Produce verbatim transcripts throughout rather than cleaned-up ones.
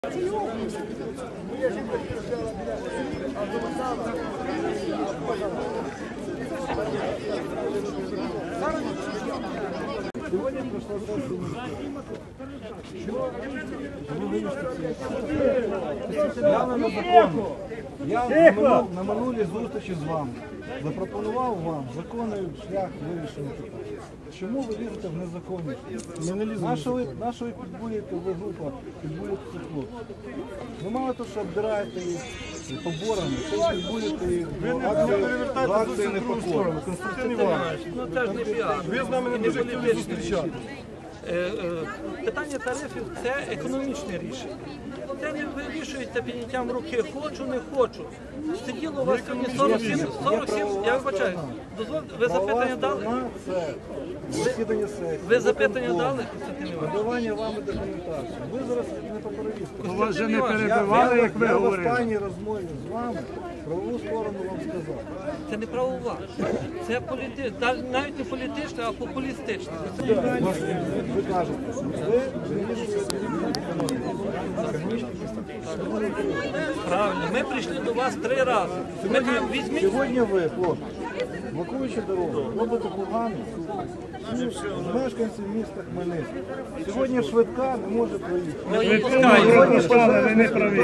Сегодня прошла сессия. Явно на закону. Я на, на минулій зустрічі з вами запропонував вам законний шлях вирішення питання. Чому ви лізете в незаконність? Нашої ви підбурюєте, ви група, підбурюєте цих хлопців. Ви мало того, що обдираєте їх поборами, ви підбурюєте їх до акції непокори. Константин Іванович, ну це ж не піар. Ви з нами не дуже хотіли зустрічати. Питання тарифів – це економічне рішення. Це не вирішується підняттям руки «хочу, не хочу». Сиділо у вас сьогодні сорок сім, сорок сім, я вибачаю, дозвольте, ви запитання дали? Засідання сесії. Ви запитання дали, Константин Іванович? Надавання вами документації. Ви зараз не по перевістку. Вас вже не перебивали, як ви говорили. Я в останній розмові з вами правову сторону вам сказав. Це не правова, це політи... навіть не політичне, а популістичне. Ви кажете, ви вирішуєте. Правильно, ми прийшли до вас три рази. Ми кажемо, візьміть. Сьогодні ви, хлопці, блокуючи дорогу, робите погано мешканців міста Хмельницького. Сьогодні швидка не може проїхати. Ми пропускаємо. Ви не праві.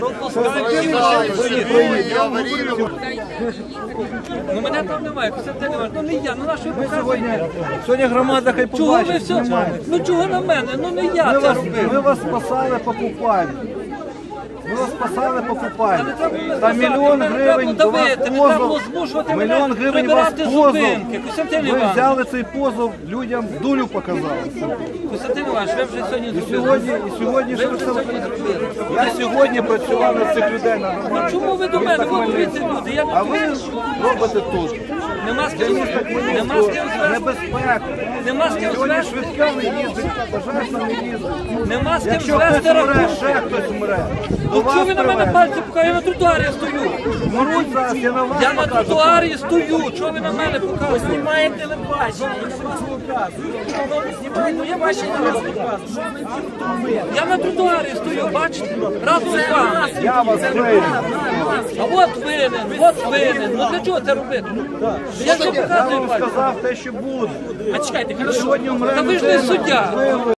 Ну мене там немає, Константин Іванович, ну не я, ну наш ви Сьогодні, сьогодні громада хай Чого ви побачить. все? Ну чого на мене? Ну не я Ми це вас, робив. ми вас спасали по купальні. Ми вас спасали по купальні. Та мільйон гривень до вас позов. Мільйон гривень вас позов. Ви взяли цей позов, людям дулю показали. Константин Іванович, ви вже сьогодні І зробили. сьогодні, і сьогодні Ви що вже це? сьогодні зробили. Я сьогодні працював на цих людей на Ну громаді. чому ви до мене? Ви дивіться люди, я А не ви робите тут. Нема з ким нема з ким звести. Небезпеку. Нема з ким Сьогодні звести. швидка не їздить, пожежна не їздить. Нема з ким Якщо звести хтось умре, рахунок. ще хтось умре. До Ну вас чого ви на мене привезли. пальці показуєте? Я на тротуарі стою. Моруть зараз, я на вас Я на покажу. тротуарі стою. Чого ви на мене показуєте? Знімаєте телебачення, я вас показую. Знімаєте, я бачу, я вас показую. Я на тротуарі стою, бачите? Разом з вами. Я вас вийду. А от винен, от винен. Ну для чого це робити? Я що Я показую вам пальці? сказав те, що буде. А чекайте, хорошо. Сьогодні умре Та ви ж не людина. суддя. Ви